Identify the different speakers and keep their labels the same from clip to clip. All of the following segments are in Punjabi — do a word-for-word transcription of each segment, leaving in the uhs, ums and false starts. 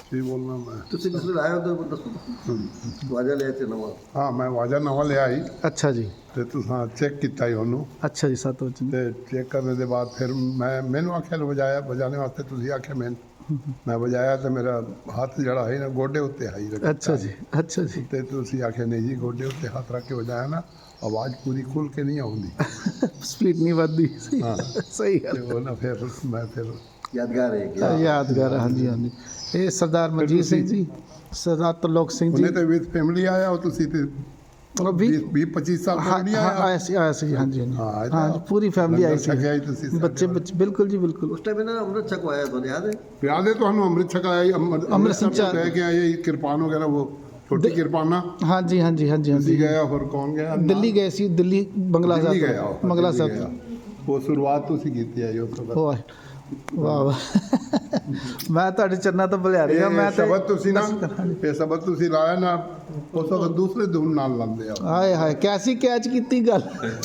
Speaker 1: ਕੀ ਬੋਲਣਾ ਮੈਂ
Speaker 2: ਤੁਸੀਂ ਜਿਸ ਵੇਲੇ ਆਏ ਹੋ ਤਾਂ ਦੱਸੋ ਵਾਜਾ ਲਿਆ ਤੇ ਨਵਾਂ
Speaker 1: ਹਾਂ ਮੈਂ ਵਾਜਾ ਨਵਾਂ ਲਿਆ ਸੀ
Speaker 3: ਅੱਛਾ ਜੀ
Speaker 1: ਤੇ ਤੁਸੀਂ ਚੈੱਕ ਕੀਤਾ ਹੀ ਉਹਨੂੰ
Speaker 3: ਅੱਛਾ ਜੀ ਸੱਤ ਵਜੇ
Speaker 1: ਤੇ ਚੈੱਕ ਕਰਨ ਦੇ ਬਾਅਦ ਫਿਰ ਮੈਂ ਮੈਨੂੰ ਆਖਿਆ ਵਜਾਇਆ ਵਜਾਣੇ ਵਾਸਤੇ ਤੁਸੀਂ ਆਖਿਆ ਮੈਂ ਮੈਂ ਵਜਾਇਆ ਤੇ ਮੇਰਾ ਹੱਥ ਜਿਹੜਾ ਹੈ ਨਾ ਗੋਡੇ ਉੱਤੇ ਆਈ ਰੱਖਿਆ
Speaker 3: ਅੱਛਾ ਜੀ ਅੱਛਾ ਜੀ
Speaker 1: ਤੇ ਤੁਸੀਂ ਆਖਿਆ ਨਹੀਂ ਜੀ ਗੋਡੇ ਉੱਤੇ ਹੱਥ ਰੱਖ ਕੇ ਵਜਾਇਆ ਨਾ ਆਵਾਜ਼ ਪੂਰੀ ਖੁੱਲ ਕੇ ਨਹੀਂ ਆਉਂਦੀ
Speaker 3: ਸਪੀਡ ਨਹੀਂ ਵੱਧਦੀ
Speaker 1: ਹਾਂ
Speaker 3: ਸਹੀ
Speaker 1: ਤੇ
Speaker 3: ਗੱਲ
Speaker 1: ਉਹ ਨਾ ਫਿਰ ਮੈਂ ਫਿਰ
Speaker 2: ਯਾਦਗਾਰ ਹੈ ਕਿ
Speaker 3: ਯਾਦਗਾਰ ਹੈ, ਹਾਂਜੀ ਹਾਂਜੀ ਇਹ ਸਰਦਾਰ ਮਨਜੀਤ ਸਿੰਘ ਜੀ ਸਰਦਾਰ ਤਰਲੋਕ ਸਿੰਘ ਜੀ
Speaker 1: ਉਹਨੇ ਤੇ ਵਿਦ ਫੈਮਿਲੀ ਆਇਆ ਉਹ ਤੁਸੀਂ ਤੇ
Speaker 3: ਉਹ ਵੀ
Speaker 1: ਵੀਹ ਪੱਚੀ ਸਾਲ
Speaker 3: ਹਾਂ
Speaker 1: ਤੱਕ ਨਹੀਂ
Speaker 3: ਹਾਂ,
Speaker 1: ਆਇਆ
Speaker 3: ਆਇਆ ਸੀ ਆਇਆ ਸੀ ਹਾਂਜੀ ਹਾਂਜੀ
Speaker 1: ਹਾਂ, ਇਹ ਤਾਂ
Speaker 3: ਹਾਂ ਪੂਰੀ ਫੈਮਿਲੀ ਆਈ
Speaker 1: ਲੰਗਰ
Speaker 3: ਸੀ
Speaker 1: ਛਕਿਆ ਹੀ ਤੁਸੀਂ ਸਾਡੇ
Speaker 3: ਬੱਚੇ ਬੱਚੇ ਬਿਲਕੁਲ ਜੀ ਬਿਲਕੁਲ
Speaker 2: ਉਸ ਟਾਈਮ ਇਹਨਾਂ ਅੰਮ੍ਰਿਤ ਛਕਵਾਇਆ ਤੁਹਾਨੂੰ ਯਾਦ ਹੈ
Speaker 1: ਪਿਆ ਦੇ ਤੁਹਾਨੂੰ ਅੰਮ੍ਰਿਤ ਛਕਾਇਆ ਜੀ, ਅੰਮ੍ਰਿਤ
Speaker 3: ਅੰਮ੍ਰਿਤ
Speaker 1: ਅੰਮ੍ਰਿਤਸਰ ਤੋਂ ਲੈ ਕੇ ਆਏ ਜੀ, ਕਿਰਪਾਨ ਵਗੈਰਾ ਉਹ ਛੋਟੀ ਕਿਰਪਾਨਾ
Speaker 3: ਹਾਂਜੀ ਹਾਂਜੀ ਹਾਂਜੀ
Speaker 1: ਤੁਸੀਂ
Speaker 3: ਹਾਂਜੀ
Speaker 1: ਗਏ ਹੋਰ ਕੌਣ ਗਿਆ
Speaker 3: ਦਿੱਲੀ ਗਏ ਸੀ ਦਿੱਲੀ ਬੰਗਲਾ
Speaker 1: ਦਿੱਲੀ
Speaker 3: ਸਾਹਿਬ
Speaker 1: ਗਿਆ ਉਹ,
Speaker 3: ਤੋਂ, ਬੰਗਲਾ
Speaker 1: ਦਿੱਲੀ
Speaker 3: ਸਾਹਿਬ
Speaker 1: ਗਿਆ।
Speaker 3: ਤੋਂ।
Speaker 1: ਉਹ ਸ਼ੁਰੂਆਤ ਤੁਸੀਂ ਕੀਤੀ ਹੈ ਜੀ ਉਸ ਤੋਂ ਬਾਅਦ
Speaker 3: ਵਾਹ ਵਾਹ ਵਾਹ ਮੈਂ ਤੁਹਾਡੇ ਚਰਨਾਂ ਤੋਂ ਬੁਲਿਆ ਰਿਹਾ ਮੈਂ
Speaker 1: ਇਹ
Speaker 3: ਤੇ
Speaker 1: ਸ਼ਬਦ ਤੁਸੀਂ ਨਾ ਇਹ ਸ਼ਬਦ ਤੁਸੀਂ ਲਾਇਆ ਨਾ ਉਸ ਤੋਂ ਦੂਸਰੇ ਧੁਨ ਨਾਲ ਲਾਉਂਦੇ ਆ
Speaker 3: ਹਾਏ ਹਾਏ ਕੈਸੀ ਕੈਚ ਕੀਤੀ ਗੱਲ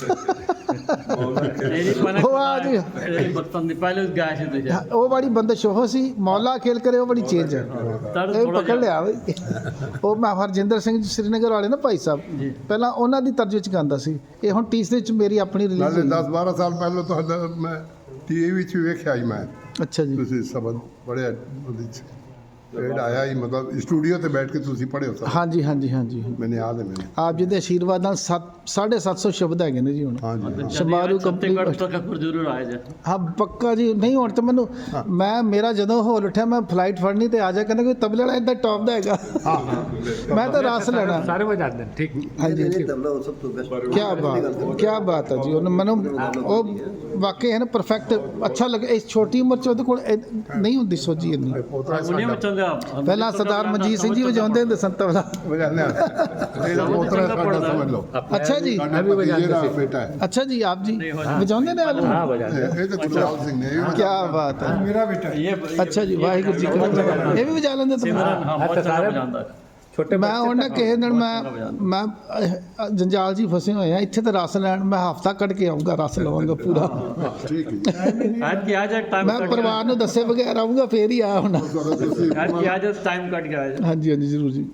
Speaker 3: ਉਹ ਆ ਜੀ
Speaker 4: ਬਚਪਨ ਦੀ ਪਹਿਲੇ ਗਾਇਆ ਸੀ ਤੇ
Speaker 3: ਉਹ ਬੜੀ ਬੰਦਸ਼ ਉਹ ਸੀ ਮੌਲਾ ਖੇਲ ਕਰੇ ਉਹ ਬੜੀ ਚੇਂਜ ਹੈ ਇਹ ਪਕੜ ਲਿਆ ਬਈ ਉਹ ਮੈਂ ਹਰਜਿੰਦਰ ਸਿੰਘ ਜੀ ਸ਼੍ਰੀਨਗਰ ਵਾਲੇ ਨਾ ਭਾਈ ਸਾਹਿਬ ਪਹਿਲਾਂ ਉਹਨਾਂ ਦੀ ਤਰਜ ਵਿੱਚ ਗਾਉਂਦਾ ਸੀ ਇਹ ਹੁਣ ਤੀਸਰੇ ਚ ਮੇਰੀ ਆਪਣੀ
Speaker 1: ਨਾਲੇ
Speaker 3: ਰਿਲੀਜ਼
Speaker 1: ਦਸ ਬਾਰਾਂ ਸਾਲ ਪਹਿਲਾਂ ਤੁਹਾਡਾ ਮੈਂ ਟੀਵੀ ਵਿੱਚ ਵੀ ਵੇਖਿਆ ਸੀ ਮੈਂ
Speaker 3: ਅੱਛਾ ਜੀ
Speaker 1: ਤੁਸੀਂ ਸ਼ਬਦ ਪੜ੍ਹਿਆ ਉਹਦੇ ਚ ਰੇਡ ਆਇਆ ਹੀ ਮਤਲਬ ਸਟੂਡੀਓ ਤੇ ਬੈਠ ਕੇ ਤੁਸੀਂ ਪੜ੍ਹਿਓ ਸਭ
Speaker 3: ਹਾਂਜੀ ਹਾਂਜੀ ਹਾਂਜੀ
Speaker 1: ਮੈਨੂੰ ਯਾਦ ਹੈ ਮੈਨੂੰ
Speaker 3: ਆਪ ਜੀ ਦੇ ਆਸ਼ੀਰਵਾਦ ਨਾਲ ਸੱਤ ਸਾਢੇ ਸੱਤ ਸੌ ਸ਼ਬਦ ਹੈਗੇ ਨੇ ਜੀ ਹੁਣ
Speaker 1: ਹਾਂਜੀ
Speaker 3: ਸ਼ਮਾਰੂ
Speaker 4: ਕੰਪਨੀ
Speaker 3: ਕੰਪਨੀ
Speaker 4: ਤੱਕ ਪਰ ਜ਼ਰੂਰ ਆਇਆ ਜਾ
Speaker 3: ਹਾਂ ਪੱਕਾ ਜੀ ਨਹੀਂ ਹੁਣ ਤਾਂ ਮੈਨੂੰ ਮੈਂ ਮੇਰਾ ਜਦੋਂ ਹੋਲ ਉੱਠਿਆ ਮੈਂ ਫਲਾਈਟ ਫੜਨੀ ਤੇ ਆ ਜਾ ਕਹਿੰਦਾ ਕੋਈ ਤਬਲੇ ਵਾਲਾ ਇੱਦਾਂ ਟੌਪ ਦਾ ਹੈਗਾ ਮੈਂ ਤਾਂ ਰਸ ਲੈਣਾ
Speaker 5: ਸਾਰੇ ਵਜਾਉਂਦੇ ਨੇ ਠੀਕ
Speaker 3: ਹਾਂਜੀ
Speaker 2: ਨਹੀਂ ਤਬਲਾ ਉਹ ਸਭ ਤੋਂ ਬੈਸਟ
Speaker 3: ਕੀ ਬਾਤ ਕੀ ਬਾਤ ਹੈ ਜੀ ਉਹਨੇ ਮੈਨੂੰ ਉਹ ਵਾਕਈ ਹੈ ਨਾ ਪਰਫੈਕਟ ਅੱਛਾ ਲੱਗਾ ਇਸ ਛੋਟੀ ਉਮਰ ਚ ਉਹਦੇ ਕੋਲ ਇਹ ਨਹੀਂ ਹੁੰਦੀ ਸੋਝੀ ਇੰਨੀ
Speaker 4: ਉਹਨੇ ਬੱਚੋਂ ਦਾ
Speaker 3: ਪਹਿਲਾਂ ਸਰਦਾਰ ਮਨਜੀਤ ਸਿੰਘ ਜੀ ਵਜਾਉਂਦੇ ਹੁੰਦੇ ਸਨ ਤਬਲਾ
Speaker 1: ਵਜਾਉਂਦੇ ਆ ਇਹਦਾ ਪੋਤਰਾ ਸਾਡਾ ਸਮਝ ਲਓ
Speaker 3: ਅੱਛਾ ਜੀ
Speaker 1: ਸਾਡਾ ਭਤੀਜੇ ਦਾ ਬੇਟਾ ਹੈ
Speaker 3: ਅੱਛਾ ਜੀ ਆਪ ਜੀ ਵਜਾਉਂਦੇ ਨੇ ਆਪ
Speaker 5: ਹਾਂ ਵਜਾਉਂਦੇ
Speaker 1: ਇਹ ਇਹ ਤਾਂ ਗੁਰਲਾਲ ਸਿੰਘ ਨੇ ਇਹ ਵੀ
Speaker 3: ਕੀ ਬਾਤ ਹੈ
Speaker 1: ਮੇਰਾ ਬੇਟਾ ਹੈ।
Speaker 4: ਇਹ
Speaker 3: ਅੱਛਾ ਜੀ ਵਾਹਿਗੁਰੂ ਜੀ ਕਾ ਖਾਲਸਾ ਇਹ ਵੀ ਵਜਾ ਲੈਂਦੇ ਤੁਸੀਂ
Speaker 4: ਸਿਮਰਨ ਹਾਂ ਬਹੁਤ ਸਾਰੇ ਵਜਾਉਂਦਾ
Speaker 5: ਛੋਟੇ
Speaker 3: ਮੈਂ ਹੁਣ ਨਾ ਕਿਸੇ ਦਿਨ ਮੈਂ ਮੈਂ ਅਹ, ਜੰਜਾਲ ਜੀ ਫਸੇ ਹੋਏ ਆ ਇੱਥੇ ਤਾਂ ਰਸ ਲੈਣ ਮੈਂ ਹਫਤਾ ਕੱਢ ਕੇ ਆਉਂਗਾ ਰਸ ਲਵਾਂਗਾ ਪੂਰਾ
Speaker 1: ਠੀਕ ਹੈ
Speaker 4: ਅੱਜ ਕੀ ਅੱਜ ਟਾਈਮ
Speaker 3: ਮੈਂ ਪਰਿਵਾਰ ਨੂੰ ਦੱਸੇ ਬਗੈਰ ਆਉਂਗਾ ਫੇਰ ਹੀ ਆ ਹੁਣ
Speaker 1: ਜਦੋਂ ਤੁਸੀਂ
Speaker 4: ਅੱਜ ਕੀ ਅੱਜ ਟਾਈਮ ਕੱਟ ਗਿਆ ਅੱਜ
Speaker 3: ਹਾਂਜੀ ਹਾਂਜੀ ਜ਼ਰੂਰ ਜੀ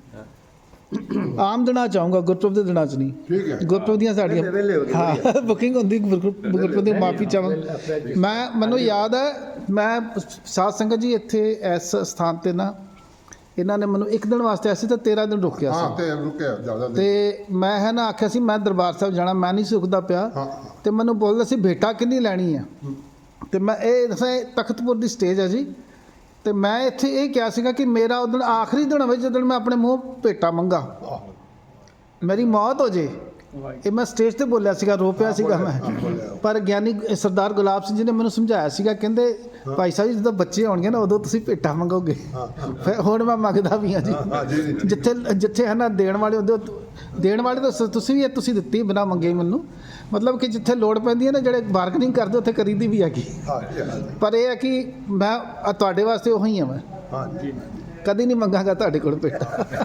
Speaker 3: ਆਮ ਦਿਨਾਂ ਚ ਆਉਂਗਾ ਗੁਰਪੁਰਬ ਦੇ ਦਿਨਾਂ ਚ ਨਹੀਂ
Speaker 1: ਠੀਕ ਹੈ
Speaker 3: ਗੁਰਪੁਰਬ ਦੀਆਂ ਸਾਡੀਆਂ
Speaker 2: ਵਿਹਲੇ ਹੋ ਗਏ
Speaker 3: ਹਾਂ ਬੁਕਿੰਗ ਹੁੰਦੀ ਗੁਰਪੁਰਬ ਗੁਰਪੁਰਬ ਦੀ ਮਾਫੀ ਚਾਹਾਂਗਾ ਮੈਂ ਮੈਨੂੰ ਯਾਦ ਹੈ ਮੈਂ ਸਾਧ ਸੰਗਤ ਜੀ ਇੱਥੇ ਇਸ ਸਥਾਨ ਤੇ ਨਾ ਇਹਨਾਂ ਨੇ ਮੈਨੂੰ ਇੱਕ ਦਿਨ ਵਾਸਤੇ ਆਇਆ ਸੀ ਤਾਂ ਤੇਰਾਂ ਦਿਨ ਰੁਕਿਆ
Speaker 1: ਹਾਂ
Speaker 3: ਸੀ
Speaker 1: ਤੇ ਰੁਕਿਆ ਜ਼ਿਆਦਾ
Speaker 3: ਤੇ ਮੈਂ ਹੈ ਨਾ ਆਖਿਆ ਸੀ ਮੈਂ ਦਰਬਾਰ ਸਾਹਿਬ ਜਾਣਾ ਮੈਂ ਨਹੀਂ ਸੁਖਦਾ ਪਿਆ
Speaker 1: ਹਾਂ
Speaker 3: ਤੇ ਮੈਨੂੰ ਬੋਲਦਾ ਸੀ ਭੇਟਾ ਕਿੰਨੀ ਲੈਣੀ ਆ ਤੇ ਮੈਂ ਇਹ ਦੱਸਾਂ ਇਹ ਤਖਤਪੁਰ ਦੀ ਸਟੇਜ ਹੈ ਜੀ ਤੇ ਮੈਂ ਇੱਥੇ ਇਹ ਕਿਹਾ ਸੀਗਾ ਕਿ ਮੇਰਾ ਉਦੋਂ ਆਖਰੀ ਦਿਨ ਹੋਵੇ ਜਦੋਂ ਮੈਂ ਆਪਣੇ ਮੂੰਹ ਭੇਟਾ ਮੰਗਾ ਮੇਰੀ ਮੌਤ ਹੋ ਜੇ ਇਹ ਮੈਂ ਸਟੇਜ ਤੇ ਬੋਲਿਆ ਸੀਗਾ ਰੋ ਪਿਆ ਸੀਗਾ ਮੈਂ ਪਰ ਗਿਆਨੀ ਸਰਦਾਰ ਗੁਲਾਬ ਸਿੰਘ ਜੀ ਨੇ ਮੈਨੂੰ ਸਮਝਾਇਆ ਸੀਗਾ ਕਹਿੰਦੇ ਭਾਈ ਸਾਹਿਬ ਜੀ ਜਦੋਂ ਬੱਚੇ ਹੋਣਗੇ ਨਾ ਉਦੋਂ ਤੁਸੀਂ ਭੇਟਾ ਮੰਗੋਗੇ ਫਿਰ ਹੁਣ ਮੈਂ ਮੰਗਦਾ ਵੀ ਹਾਂ ਜੀ
Speaker 1: ਹਾਂ ਜੀ ਜੀ, ਠੀਕ।
Speaker 3: ਜਿੱਥੇ ਜਿੱਥੇ ਹੈ ਨਾ ਦੇਣ ਵਾਲੇ ਹੁੰਦੇ ਉਹ- ਦੇਣ ਵਾਲੇ ਤਾਂ ਸ- ਤੁਸੀਂ ਵੀ ਇਹ ਤੁਸੀਂ ਦਿੱਤੀ ਬਿਨਾ ਮੰਗੇ ਹੀ ਮੈਨੂੰ ਮਤਲਬ ਕਿ ਜਿੱਥੇ ਲੋੜ ਪੈਂਦੀ ਹੈ ਨਾ ਜਿਹੜੇ ਬਾਰਗਨਿੰਗ ਕਰਦੇ ਉੱਥੇ ਕਰੀਦੀ ਵੀ ਹੈਗੀ
Speaker 1: ਹਾਂ ਜੀ ਹਾਂ ਜੀ,
Speaker 3: ਪਰ ਇਹ ਹੈ ਕਿ ਮੈਂ ਆਹ ਤੁਹਾਡੇ ਵਾਸਤੇ ਉਹੀ ਹਾਂ ਮੈਂ
Speaker 1: ਹਾਂ ਜੀ
Speaker 3: ਕਦੀ ਨਹੀਂ ਮੰਗਾਂਗਾ ਤੁਹਾਡੇ ਕੋਲ ਭੇਟਾ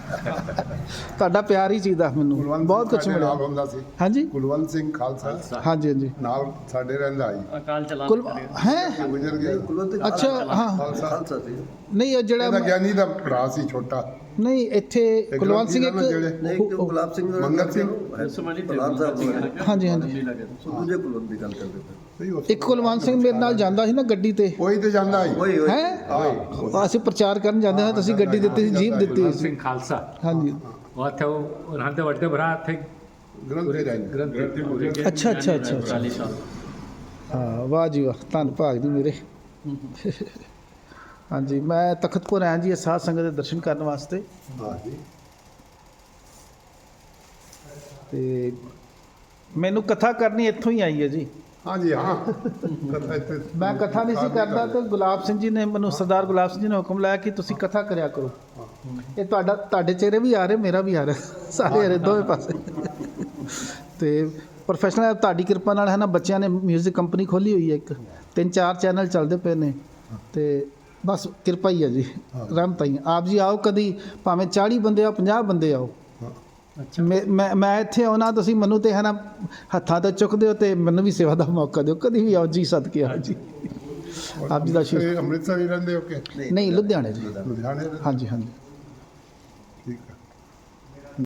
Speaker 3: ਤੁਹਾਡਾ ਪਿਆਰ ਹੀ ਚਾਹੀਦਾ ਮੈਨੂੰ
Speaker 1: ਕੁਲਵੰਤ
Speaker 3: ਬਹੁਤ
Speaker 1: ਸਿੰਘ
Speaker 3: ਕੁਝ
Speaker 1: ਸਾਡੇ
Speaker 3: ਮਿਲਿਆ
Speaker 1: ਨਾਲ ਹੁੰਦਾ ਸੀ
Speaker 3: ਹਾਂਜੀ
Speaker 1: ਕੁਲਵੰਤ ਸਿੰਘ ਖਾਲਸਾ
Speaker 3: ਹਾਂਜੀ ਹਾਂਜੀ
Speaker 1: ਨਾਲ ਸਾਡੇ ਰਹਿੰਦਾ ਆਈ
Speaker 4: ਅਕਾਲ ਚਲਾ
Speaker 3: ਕੁਲ ਹੈ
Speaker 1: ਗੁਜ਼ਰ ਗਿਆ
Speaker 2: ਕੁਲਵੰਤ
Speaker 3: ਅੱਛਾ ਹਾਂ
Speaker 1: ਖਾਲਸਾ
Speaker 2: ਖਾਲਸਾ ਸੀ
Speaker 3: ਨਹੀਂ ਇਹ
Speaker 1: ਇਹਦਾ
Speaker 3: ਜਿਹੜਾ
Speaker 1: ਗਿਆਨੀ ਦਾ ਭਰਾ ਸੀ ਛੋਟਾ
Speaker 3: ਨਹੀਂ ਇੱਥੇ ਕੁਲਵੰਤ ਸਿੰਘ ਇੱਕ
Speaker 1: ਜਿਹੜੇ
Speaker 2: ਨਹੀਂ ਇੱਕ ਤਾਂ ਗੁਲਾਬ ਸਿੰਘ ਦਾ
Speaker 1: ਮੰਗਤ ਸਿੰਘ।
Speaker 4: ਸੁਮਨੀ ਤੇ
Speaker 2: ਗੁਲਾਬ ਸਾਹਿਬ ਹੋਇਆ।
Speaker 3: ਹਾਂਜੀ ਹਾਂਜੀ
Speaker 2: ਸੋ ਦੂਜੇ ਕੁਲਵੰਤ ਦੀ ਗੱਲ ਕਰਦੇ ਪਏ
Speaker 1: ਸਹੀ ਉਸ
Speaker 3: ਇੱਕ ਕੁਲਵੰਤ ਸਿੰਘ ਮੇਰੇ ਨਾਲ ਜਾਂਦਾ ਸੀ ਨਾ ਗੱਡੀ ਤੇ
Speaker 1: ਕੋਈ ਤੇ ਜਾਂਦਾ ਆਈ
Speaker 2: ਓਏ ਓਏ
Speaker 3: ਹੈ
Speaker 1: ਹਾਂ
Speaker 3: ਅਸੀਂ ਪ੍ਰਚਾਰ ਕਰਨ ਜਾਂਦੇ ਹਾਂ ਤੁਸੀਂ ਗੱਡੀ ਦਿੱਤੀ ਸੀ ਜੀਪ ਦਿੱਤੀ ਸੀ
Speaker 5: ਸਿੰਘ ਖਾਲਸਾ
Speaker 3: ਹਾਂਜੀ
Speaker 5: ਉਹ ਇੱਥੇ ਉਹ ਰਹਿੰਦੇ ਵੱਡੇ ਭਰਾ ਇੱਥੇ
Speaker 1: ਗ੍ਰੰਥੀ ਰਹਿੰਦੇ
Speaker 5: ਗ੍ਰੰਥੀ ਪੂਰੇ
Speaker 3: ਅੱਛਾ ਅੱਛਾ ਅੱਛਾ ਅੱਛਾ।
Speaker 4: ਚਾਲੀ ਸਾਲ
Speaker 3: ਹਾਂ ਵਾਹ ਜੀ ਵਾਹ ਧੰਨ ਭਾਗ ਜੀ ਮੇਰੇ ਹਾਂਜੀ ਮੈਂ ਤਖਤਪੁਰ ਆਇਆ ਜੀ ਇਹ ਸਾਧ ਸੰਗਤ ਦੇ ਦਰਸ਼ਨ ਕਰਨ ਵਾਸਤੇ
Speaker 1: ਹਾਂ ਜੀ
Speaker 3: ਤੇ ਮੈਨੂੰ ਕਥਾ ਕਰਨੀ ਇੱਥੋਂ ਹੀ ਆਈ ਹੈ ਜੀ
Speaker 1: ਹਾਂ ਜੀ ਹਾਂ ਕਥਾ ਇੱਥੇ
Speaker 3: ਮੈਂ ਕਥਾ ਨਹੀਂ ਸੀ ਕਰਦਾ ਤੇ ਗੁਲਾਬ ਸਿੰਘ ਜੀ ਨੇ ਮੈਨੂੰ ਸਰਦਾਰ ਗੁਲਾਬ ਸਿੰਘ ਜੀ ਨੇ ਹੁਕਮ ਲਾਇਆ ਕਿ ਤੁਸੀਂ ਕਥਾ ਕਰਿਆ ਕਰੋ ਇਹ ਤੁਹਾਡਾ ਤੁਹਾਡੇ ਚਿਹਰੇ ਵੀ ਆ ਰਹੇ ਮੇਰਾ ਵੀ ਆ ਰਿਹਾ ਸਾਰੇ ਆ ਰਹੇ ਦੋਵੇਂ ਪਾਸੇ ਤੇ ਪ੍ਰੋਫੈਸ਼ਨਲ ਤੁਹਾਡੀ ਕਿਰਪਾ ਨਾਲ ਹੈ ਨਾ ਬੱਚਿਆਂ ਨੇ 뮤직 ਕੰਪਨੀ ਖੋਲੀ ਹੋਈ ਹੈ ਇੱਕ ਤਿੰਨ ਚਾਰ ਚੈਨਲ ਚੱਲਦੇ ਪਏ ਨੇ ਤੇ ਬਸ ਕਿਰਪਾ ਹੀ ਹੈ ਜੀ ਰਹਿਮਤ ਹੀ ਹੈ। ਆਪ ਜੀ ਆਓ ਕਦੀ ਭਾਵੇਂ ਚਾਲੀ ਬੰਦੇ ਆਓ ਪੰਜਾਹ ਬੰਦੇ ਆਓ ਮੈਂ ਮੈਂ ਮੈਂ ਇੱਥੇ ਆਉਣਾ ਤੁਸੀਂ ਮੈਨੂੰ ਤੇ ਹੈ ਨਾ ਹੱਥਾਂ ਤੇ ਚੁੱਕਦੇ ਹੋ ਤੇ ਮੈਨੂੰ ਵੀ ਸੇਵਾ ਦਾ ਮੌਕਾ ਦਿਓ ਕਦੀ ਵੀ ਆਓ ਜੀ ਸਦਕੇ ਆਓ ਜੀ ਆਪ ਜੀ ਦਾ ਆਸ਼ੀਰਵਾਦ।
Speaker 1: ਤੁਸੀਂ ਅੰਮ੍ਰਿਤਸਰ ਹੀ ਰਹਿੰਦੇ ਹੋ ਕਿ
Speaker 3: ਨਹੀਂ ਲੁਧਿਆਣੇ ਜੀ।
Speaker 1: ਲੁਧਿਆਣੇ ਰਹਿੰਦੇ?
Speaker 3: ਹਾਂਜੀ ਹਾਂਜੀ।
Speaker 1: ਠੀਕ ਹੈ।